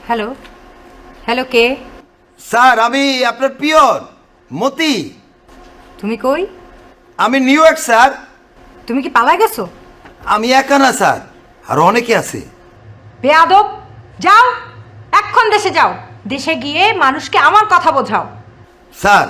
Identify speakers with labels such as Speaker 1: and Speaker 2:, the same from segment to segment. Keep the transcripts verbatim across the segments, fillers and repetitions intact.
Speaker 1: Hello hello কে?
Speaker 2: Sir আমি আপনার peon মতি।
Speaker 1: তুমি কই?
Speaker 2: আমি নিউ ইয়র্ক স্যার।
Speaker 1: তুমি কি পালা গেছো?
Speaker 2: আমি একা না স্যার, আরো অনেকে আছে।
Speaker 1: বেয়াদব, যাও এক্ষণ দেশে যাও। দেশে গিয়ে মানুষকে আমার কথা বোঝাও।
Speaker 2: স্যার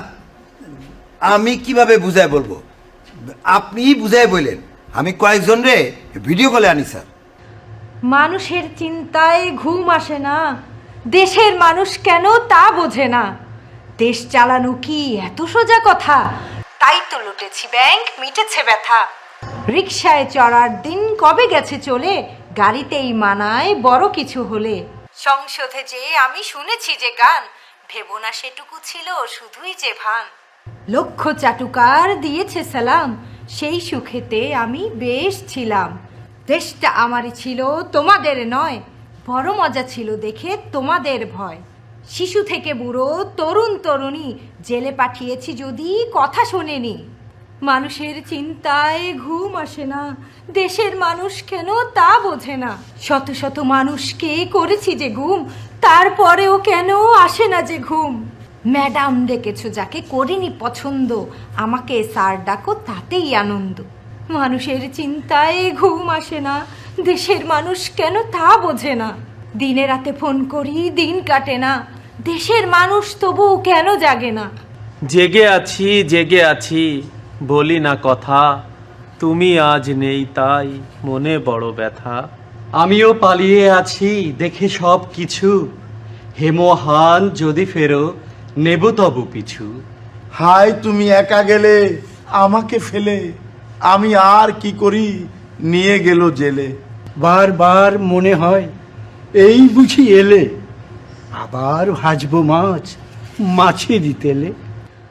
Speaker 2: আমি কিভাবে বুঝায় বলবো, আপনি বুঝায় বললেন। আমি কয়েকজন রে ভিডিও কলে আনি স্যার।
Speaker 1: মানুষের চিন্তায় ঘুম আসে না, দেশের মানুষ কেন তা বোঝে না। দেশ চালানো কি এত সোজা কথা? তাই তো লুটেছি ব্যাংক, মিটেছে ব্যথা। রিকশায় চড়ার দিন কবে গেছে চলে, গাড়িতেই মানায় বড় কিছু হলে। সংসদে যে আমি শুনেছি যে গান, ভেবো না সেটুকু ছিল শুধুই যে ভান। লক্ষ চাটুকার দিয়েছে সালাম, সেই সুখেতে আমি বেশ ছিলাম। দেশটা আমারই ছিল তোমাদের নয়, বড় মজা ছিল দেখে তোমাদের ভয়। শিশু থেকে বুড়ো তরুণ তরুণী জেলে পাঠিয়েছি যদি কথা শোনেনি। মানুষের চিন্তায় ঘুম আসে না, দেশের মানুষ কেন তা বোঝে না। শত শত মানুষকে করেছি যে ঘুম, তারপরেও কেন আসে না যে ঘুম। ম্যাডাম ডেকেছো যাকে করিনি পছন্দ, আমাকে স্যার ডাকো তাতেই আনন্দ। মানুষের চিন্তায় ঘুম আসে না, দেশের মানুষ কেন তা বোঝে না। দিনে রাতে ফোন করি দিন কাটে না, দেশের মানুষ তবু কেন জাগে না।
Speaker 3: জেগে আছি জেগে আছি বলি না কথা, তুমি আজ নেই তাই মনে বড় ব্যথা।
Speaker 4: আমিও পালিয়ে আছি দেখে সব কিছু, হেমহান যদি ফেরো নেব তবু পিছু।
Speaker 5: হায় তুমি একা গেলে আমাকে ফেলে, আমি আর কি করি নিয়ে গেল জেলে।
Speaker 6: বারবার মনে হয় এই বুঝি এলে, আবার ভাজবো মাছ মাছেরই তেলে।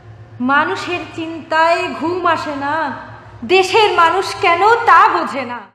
Speaker 1: মানুষের চিন্তায় ঘুম আসে না, দেশের মানুষ কেন তা বোঝে না।